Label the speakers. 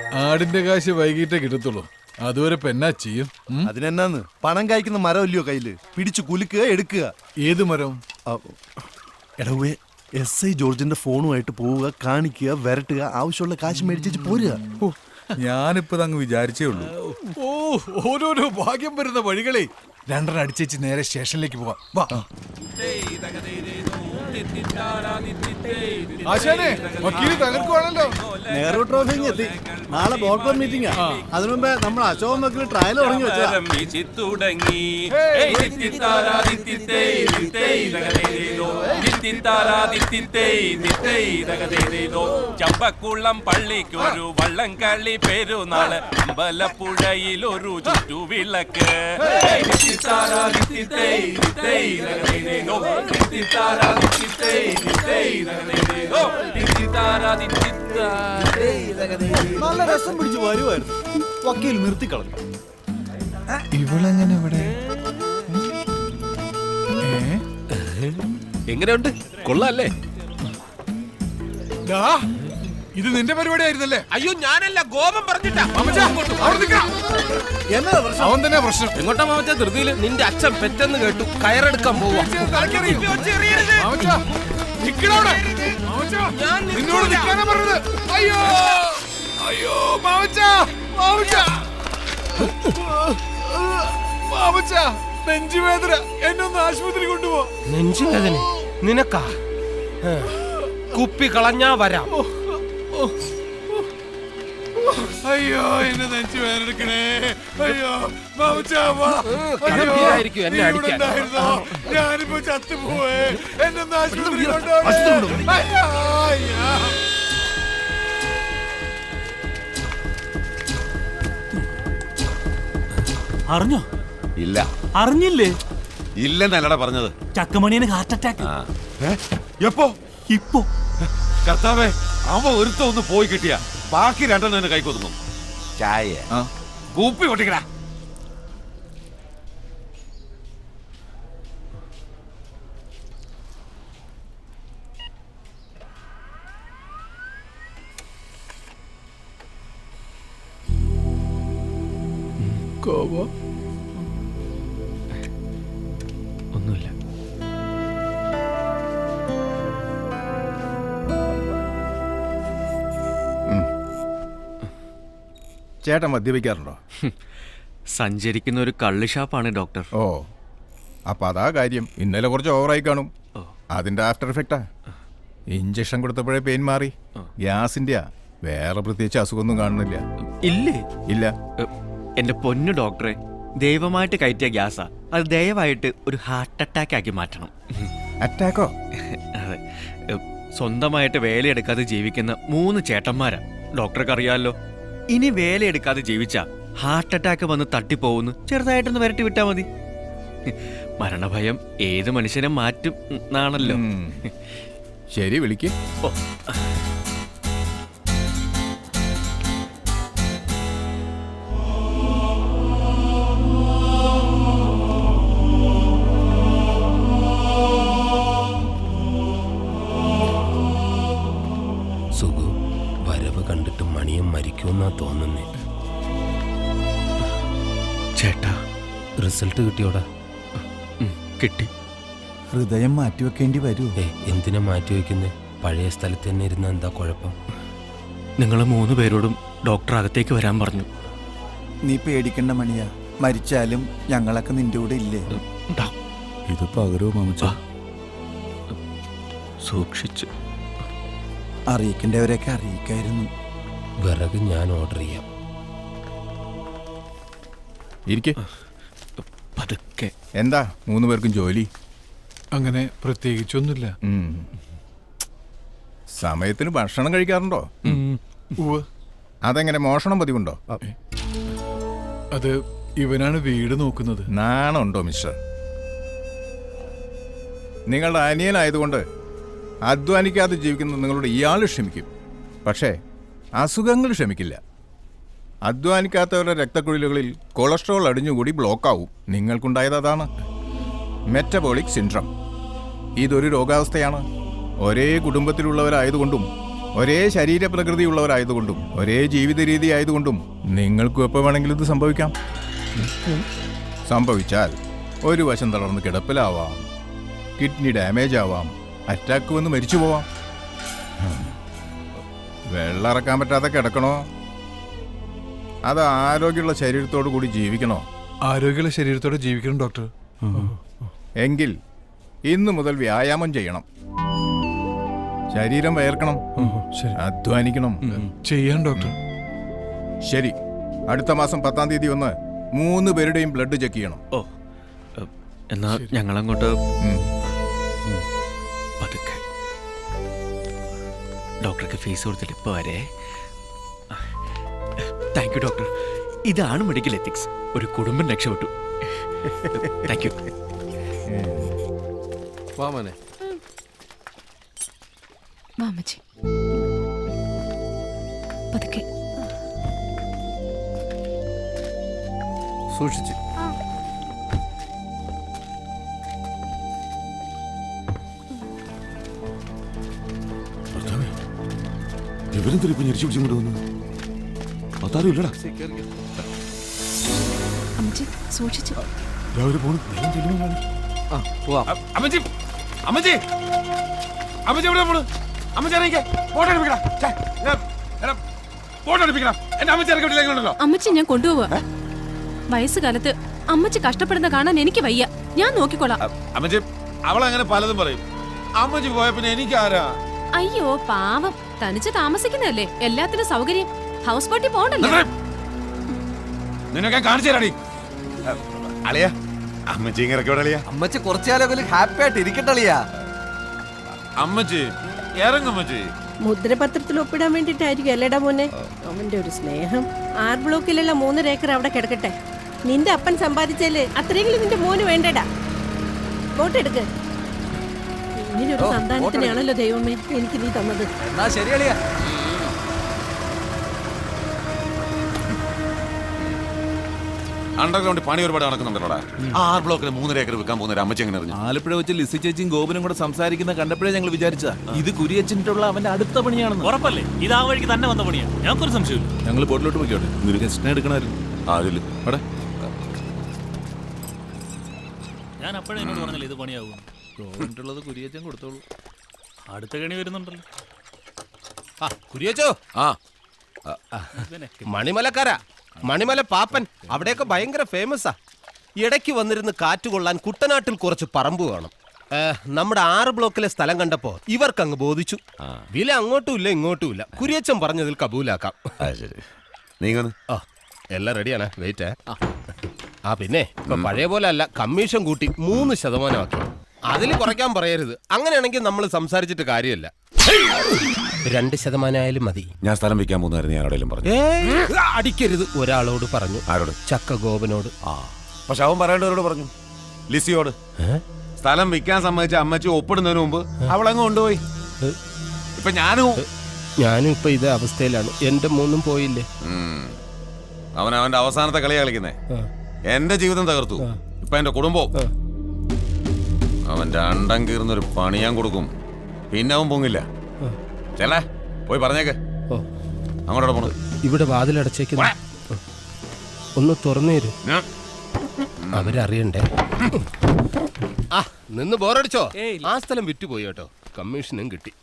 Speaker 1: ആടിന്റെ കാശ് വൈകിട്ടേ കിട്ടത്തുള്ളൂ. അതുവരെ പെന്നാ ചെയ്യും.
Speaker 2: അതിനെന്നാന്ന് പണം കായ്ക്കുന്ന മരം ഇല്ലയോ കയ്യില്, പിടിച്ചു കുലുക്കുക എടുക്കുക.
Speaker 1: ഏത് മരം?
Speaker 2: എടവേ SI ജോർജിന്റെ ഫോണുമായിട്ട് പോവുക, കാണിക്കുക, വരട്ടുക, ആവശ്യമുള്ള കാശ് മേടിച്ചു പോരുക.
Speaker 3: ഞാനിപ്പോ അങ്ങ് വിചാരിച്ചേ ഉള്ളൂ.
Speaker 1: ഓരോരോ ഭാഗ്യം വരുന്ന വഴികളെ. രണ്ടെണ്ണം അടിച്ചേച്ച് നേരെ സ്റ്റേഷനിലേക്ക് പോവാം. വാ ആശാനെ, വക്കീല് തകർക്കുവാണല്ലോ.
Speaker 4: നെഹ്റു ട്രോഫി എത്തി. നാളെ ബോർഡ് മീറ്റിംഗാ. അതിനു മുമ്പേ നമ്മൾ അശോകൻ വക്കീൽ ട്രയൽ തുടങ്ങി വെച്ചാ.
Speaker 5: ചമ്പക്കുളം പള്ളിക്കൊരു വള്ളംകളി പെരുന്നാള്, അമ്പലപ്പുഴയിലൊരു ചുറ്റുവിളക്ക്.
Speaker 4: നല്ല രസം പിടിച്ച് വരുമായിരുന്നു. വക്കീൽ നിർത്തിക്കളഞ്ഞു.
Speaker 3: ഇവളെങ്ങനെ ഇവിടെ?
Speaker 5: എങ്ങനെയുണ്ട്? കൊള്ളാല്ലേ?
Speaker 1: ഇത് നിന്റെ പരിപാടി ആയിരുന്നല്ലേ?
Speaker 5: അയ്യോ ഞാനല്ല, ഗോപം പറഞ്ഞിട്ടാ.
Speaker 1: അവൻ തന്നെ പ്രശ്നം.
Speaker 5: എങ്ങോട്ടാ മാമച്ച ധൃതിയില്? നിന്റെ അച്ഛൻ പെറ്റെന്ന് കേട്ടു, കയറെടുക്കാൻ പോവാ.
Speaker 1: നിന്നോട് നിൽക്കാനാ പറഞ്ഞത്. അയ്യോ അയ്യോ മാമച്ച, നെഞ്ചുവേദന, എന്നെ ഒന്ന് ആശുപത്രി കൊണ്ടുപോ.
Speaker 5: നെഞ്ചുവേദന നിനക്കാ? കുപ്പി കളഞ്ഞാ വരാം.
Speaker 1: അയ്യോ എന്നെ നെഞ്ചുവേദന എടുക്കണേ. അയ്യോ
Speaker 5: കടുപ്പിലായിരിക്കും എന്നെ അടിക്കാൻ.
Speaker 1: ഞാനിപ്പോ ചത്തുപോവേ. എന്നെ ഒന്ന് ആശുപത്രി കൊണ്ടുപോ.
Speaker 4: അറിഞ്ഞോ?
Speaker 6: ഇല്ല.
Speaker 4: അറിഞ്ഞില്ലേ?
Speaker 6: ഇല്ലെന്നല്ലടാ പറഞ്ഞത്.
Speaker 4: ചക്കമണിയന് ഹാർട്ട് അറ്റാക്ക്.
Speaker 6: എപ്പോ?
Speaker 4: ഇപ്പോ.
Speaker 6: കർത്താവേ, അവ ഒരുത്ത ഒന്ന് പോയി കിട്ടിയ ബാക്കി രണ്ടെണ്ണം കൈക്കൊതുങ്ങും. ചായ കൂപ്പി പൊട്ടിക്കടാ.
Speaker 5: ഒന്നുമില്ല.
Speaker 3: ചേട്ടൻ മദ്യപിക്കാറുണ്ടോ?
Speaker 7: സഞ്ചരിക്കുന്ന ഒരു കള്ള് ഷാപ്പാണ് ഡോക്ടർ.
Speaker 3: ഓ, അപ്പൊ അതാ കാര്യം. ഇന്നലെ കുറച്ച് ഓവറായി കാണും. അതിന്റെ ആഫ്റ്റർ എഫക്റ്റാ. ഇഞ്ചക്ഷൻ കൊടുത്തപ്പോഴേ പെയിൻ മാറി. ഗ്യാസിന്റെയാ, വേറെ പ്രത്യേകിച്ച് അസുഖമൊന്നും കാണുന്നില്ല.
Speaker 7: ഇല്ലേ?
Speaker 3: ഇല്ല.
Speaker 7: എന്റെ പൊന്നു ഡോക്ടറെ, ദൈവമായിട്ട് കയറ്റിയ ഗ്യാസാ. അത് ദയവായിട്ട് ഒരു ഹാർട്ട് അറ്റാക്ക് ആക്കി മാറ്റണം.
Speaker 3: അറ്റാക്കോ?
Speaker 7: അതെ. സ്വന്തമായിട്ട് വേലയെടുക്കാതെ ജീവിക്കുന്ന 3 ചേട്ടന്മാരാ. ഡോക്ടർക്ക് അറിയാമല്ലോ. ഇനി വേലയെടുക്കാതെ ജീവിച്ചാ ഹാർട്ട് അറ്റാക്ക് വന്ന് തട്ടിപ്പോവുന്നു. ചെറുതായിട്ടൊന്ന് വരട്ടി വിട്ടാ മതി. മരണഭയം ഏത് മനുഷ്യനെ മാറ്റും എന്നാണല്ലോ.
Speaker 3: ശരി, വിളിക്ക്.
Speaker 7: ഓ,
Speaker 5: സുഖു വരവ് കണ്ടിട്ട് മണിയം മരിക്കുമെന്നാ തോന്നുന്നേ.
Speaker 7: ചേട്ടാ,
Speaker 5: റിസൾട്ട് കിട്ടിയോടാ?
Speaker 7: കിട്ടി.
Speaker 3: ഹൃദയം മാറ്റിവെക്കേണ്ടി വരൂ.
Speaker 5: എന്തിനാ മാറ്റി വെക്കുന്നേ? പഴയ സ്ഥലത്ത് തന്നെ ഇരുന്ന എന്താ കുഴപ്പം?
Speaker 7: നിങ്ങൾ 3 പേരോടും ഡോക്ടർ അകത്തേക്ക് വരാൻ പറഞ്ഞു.
Speaker 8: നീ പേടിക്കണ്ട മണിയാ, മരിച്ചാലും ഞങ്ങളൊക്കെ നിന്റെ കൂടെ ഇല്ലേ?
Speaker 3: ഇത് പകരോ മാമച്ച?
Speaker 7: സൂക്ഷിച്ച്.
Speaker 8: അറിയിക്കേണ്ടവരെയൊക്കെ അറിയിക്കായിരുന്നു.
Speaker 5: വിറക് ഞാൻ ഓർഡർ ചെയ്യാം.
Speaker 3: ഇരിക്കെ.
Speaker 7: പതുക്കെ.
Speaker 3: എന്താ 3 പേർക്കും ജോലി?
Speaker 1: അങ്ങനെ പ്രത്യേകിച്ചൊന്നുമില്ല.
Speaker 3: സമയത്തിന് ഭക്ഷണം കഴിക്കാറുണ്ടോ?
Speaker 1: ഉവ്വ്.
Speaker 3: അതെങ്ങനെ, മോഷണം പതിവുണ്ടോ?
Speaker 1: അത് ഇവനാണ് വീട് നോക്കുന്നത്.
Speaker 3: നാണമുണ്ടോ മിസ്റ്റർ? നിങ്ങളുടെ അനിയനായതുകൊണ്ട് അധ്വാനിക്കാതെ ജീവിക്കുന്ന നിങ്ങളുടെ ഇയാൾ ക്ഷമിക്കും. പക്ഷേ അസുഖങ്ങൾ ക്ഷമിക്കില്ല. അധ്വാനിക്കാത്തവരുടെ രക്തക്കുഴലുകളിൽ കൊളസ്ട്രോൾ അടിഞ്ഞുകൂടി ബ്ലോക്കാവും. നിങ്ങൾക്കുണ്ടായത് അതാണ്, മെറ്റബോളിക് സിൻഡ്രം. ഇതൊരു രോഗാവസ്ഥയാണ്. ഒരേ കുടുംബത്തിലുള്ളവരായതുകൊണ്ടും ഒരേ ശരീരപ്രകൃതി ഉള്ളവരായതുകൊണ്ടും ഒരേ ജീവിത രീതി ആയതുകൊണ്ടും നിങ്ങൾക്കും എപ്പോൾ വേണമെങ്കിലും ഇത് സംഭവിക്കാം. സംഭവിച്ചാൽ ഒരു വശം തളർന്ന് കിടപ്പിലാവാം, കിഡ്നി ഡാമേജ് ആവാം, അറ്റാക്ക് വന്ന് മരിച്ചു പോവാം. വെള്ളം ഇറക്കാൻ പറ്റാതെ കിടക്കണോ, അത് ആരോഗ്യമുള്ള ശരീരത്തോടു കൂടി ജീവിക്കണോ?
Speaker 1: ആരോഗ്യമുള്ള ശരീരത്തോടെ ജീവിക്കണം ഡോക്ടർ.
Speaker 3: എങ്കിൽ ഇന്നു മുതൽ വ്യായാമം ചെയ്യണം. ശരീരം വയർക്കണം, അധ്വാനിക്കണം.
Speaker 1: ചെയ്യാൻ ഡോക്ടർ.
Speaker 3: ശരി, അടുത്ത മാസം 10-ാം തീയതി വന്ന് 3 പേരുടെയും ബ്ലഡ് ചെക്ക് ചെയ്യണം.
Speaker 7: ഓ എന്നാ ഞങ്ങളങ്ങോട്ട് പതുക്കെ. ഡോക്ടർക്ക് ഫീസ് കൊടുത്തിട്ട് ഇപ്പോൾ വരെ. Thank you doctor. ഇതാണ് മെഡിക്കൽ എത്തിക്സ്. ഒരു കുടുംബം രക്ഷപ്പെട്ടു. Thank you.
Speaker 4: വാമനെ
Speaker 9: മാമച്ചി പതുക്കെ
Speaker 4: സൂക്ഷിച്ച്.
Speaker 6: ഇവരെന്തിരിപ്പോ ഞെരിച്ചു പിടിച്ചുകൊണ്ട് വന്നു? അതാരുമില്ലടാ.
Speaker 9: അമ്മച്ചി സൂക്ഷിച്ചു.
Speaker 6: രാവിലെ പോണു.
Speaker 10: അമ്മച്ചി അമ്മച്ചി അമ്മച്ചി എവിടെ പോണു? അമ്മച്ചി ഇറങ്ങിക്കേ. ഫോട്ടോ എടുപ്പിക്കടാ. ഫോട്ടോ എടുപ്പിക്കണം. എന്റെ അമ്മച്ചി ഇറക്കി വിട്ടില്ലെങ്കിലുണ്ടല്ലോ.
Speaker 9: അമ്മച്ചി ഞാൻ കൊണ്ടുപോവാ. വയസ്സുകാലത്ത് അമ്മച്ചി കഷ്ടപ്പെടുന്ന കാണാൻ എനിക്ക് വയ്യ. ഞാൻ നോക്കിക്കോളാം.
Speaker 10: അമ്മച്ചി അവളങ്ങനെ പലതും പറയും. അമ്മച്ചി പോയ പിന്നെ എനിക്കാരാ?
Speaker 9: അയ്യോ പാവം, തനിച്ച് താമസിക്കുന്നതല്ലേ, എല്ലാത്തിനും സൗകര്യം. ഹൗസ് ബോട്ടിൽ പോകണ്ടല്ലോ.
Speaker 10: നിന്നൊക്കെ കാണിച്ചു തരാടി. അളിയ അമ്മച്ചി ഇങ്ങനെ ഇറക്കി വിടളിയാ.
Speaker 8: അമ്മച്ചി കുറച്ചുകാലം ഹാപ്പി ആയിട്ട് ഇരിക്കട്ടളിയാ.
Speaker 10: അമ്മച്ചി ഇറങ്ങമ്മച്ചി.
Speaker 11: മുദ്രപത്രത്തിൽ ഒപ്പിടാൻ വേണ്ടിട്ടായിരിക്കും അല്ലേടാ മോനെ. അവന്റെ ഒരു സ്നേഹം. 6 ബ്ലോക്കിലുള്ള 3 ഏക്കർ അവിടെ കിടക്കട്ടെ. നിന്റെ അപ്പൻ സമ്പാദിച്ചാല് അത്രയെങ്കിലും നിന്റെ മോന് വേണ്ടടാ. വോട്ടെടുക്ക്. ഇങ്ങനൊരു സന്താനത്തിനാണല്ലോ ദൈവമേ എനിക്ക് നീ തന്നത്.
Speaker 8: എന്നാ ശരിയളിയാ.
Speaker 10: അണ്ടർഗ്രൗണ്ട് പണി ഒരുപാട് നടക്കുന്നുണ്ടല്ലോടാ. 6 ബ്ലോക്കിന് 3 ഏക്കർ വിൽക്കാൻ പോകുന്ന ഒരു അമ്മച്ചി എങ്ങനെ അറിഞ്ഞു?
Speaker 2: ആലപ്പുഴ വെച്ച് ലിസി ചേച്ചിയും ഗോപനും കൂടെ സംസാരിക്കുന്ന കണ്ടപ്പോഴേ ഞങ്ങൾ വിചാരിച്ചതാ ഇത് കുരിയച്ചിട്ടുള്ള അവന്റെ അടുത്ത പണിയാണെന്ന്.
Speaker 12: ഉറപ്പല്ലേ ഇത് ആ വഴിക്ക് തന്നെ വന്ന പണിയാ? ഞങ്ങൾക്കൊരു സംശയമില്ല.
Speaker 2: ഞങ്ങൾ ബോട്ടിലോട്ട് പോയിക്കോട്ടെ. ഗസ്റ്റിനെ എടുക്കണമായിരുന്നു.
Speaker 10: ആരില്ല
Speaker 2: അവിടെ
Speaker 12: ഞാൻ അപ്പോഴേ എന്നോട് പറഞ്ഞില്ല ഇത് പണിയാവും.
Speaker 2: ഗോപനുള്ളത് കുരിയച്ചൻ കൊടുത്തോളൂ.
Speaker 12: അടുത്ത കണി വരുന്നുണ്ടല്ലോ.
Speaker 5: കുരിയച്ചോ,
Speaker 10: ആ
Speaker 5: മണിമലക്കാരാ, മണിമല പാപ്പൻ. അവിടെയൊക്കെ ഭയങ്കര ഫേമസാ. ഇടയ്ക്ക് വന്നിരുന്ന് കാറ്റുകൊള്ളാൻ കുട്ടനാട്ടിൽ കുറച്ച് പറമ്പ് വേണം. നമ്മുടെ 6 ബ്ലോക്കിലെ സ്ഥലം കണ്ടപ്പോ ഇവർക്കങ്ങ് ബോധിച്ചു. വില അങ്ങോട്ടും ഇല്ല ഇങ്ങോട്ടും ഇല്ല. കുരിയച്ചൻ പറഞ്ഞതിൽ കബൂലാക്കാം.
Speaker 10: നീങ്ങന്ന്
Speaker 5: എല്ലാം റെഡിയാണ്. വെയിറ്റ്. പിന്നെ ഇപ്പൊ പഴയ പോലെ അല്ല, കമ്മീഷൻ കൂട്ടി 3% ആക്കി. അതിൽ കുറയ്ക്കാൻ പറയരുത്. അങ്ങനെയാണെങ്കിൽ നമ്മൾ സംസാരിച്ചിട്ട് കാര്യമില്ല. 2% ആയാലും മതി.
Speaker 10: ഞാൻ സ്ഥലം വിൽക്കാൻ പോകുന്നതായിരുന്നു ഞാൻ ആരോടെങ്കിലും പറഞ്ഞു.
Speaker 5: അടിക്കരുത്. ഒരാളോട് പറഞ്ഞു.
Speaker 10: ആരോട്?
Speaker 5: ചക്ക ഗോപനോട്.
Speaker 10: പക്ഷെ അവൻ പറയേണ്ടവരോട് പറഞ്ഞു. ലിസിയോട്. സ്ഥലം വിൽക്കാൻ സമ്മതിച്ച അമ്മച്ചി ഒപ്പിടുന്നതിന് മുമ്പ് അവളങ്ങ് കൊണ്ടുപോയി. ഇപ്പൊ
Speaker 5: ഞാനും ഇപ്പൊ ഇതേ അവസ്ഥയിലാണ്. എന്റെ മോനും പോയില്ലേ.
Speaker 10: അവൻ അവന്റെ അവസാനത്തെ കളി കളിക്കുന്നേ. എന്റെ ജീവിതം തകർത്തു. ഇപ്പൊ എന്റെ കുടുംബവും. അവന്റെ അണ്ടം കീർന്നൊരു പണി ഞാൻ കൊടുക്കും. പിന്നെ അവൻ പൊങ്ങില്ല. ചെല്ലേ പോയി പറഞ്ഞേക്ക്. അങ്ങോട്ടോടെ പോണത്.
Speaker 5: ഇവിടെ വാതിലടച്ചേക്കുന്ന ഒന്ന് തുറന്നു തരൂ. അവരറിയണ്ടേ. നിന്ന് ബോറടിച്ചോ? ആ സ്ഥലം വിറ്റുപോയി കേട്ടോ. കമ്മീഷനും കിട്ടി.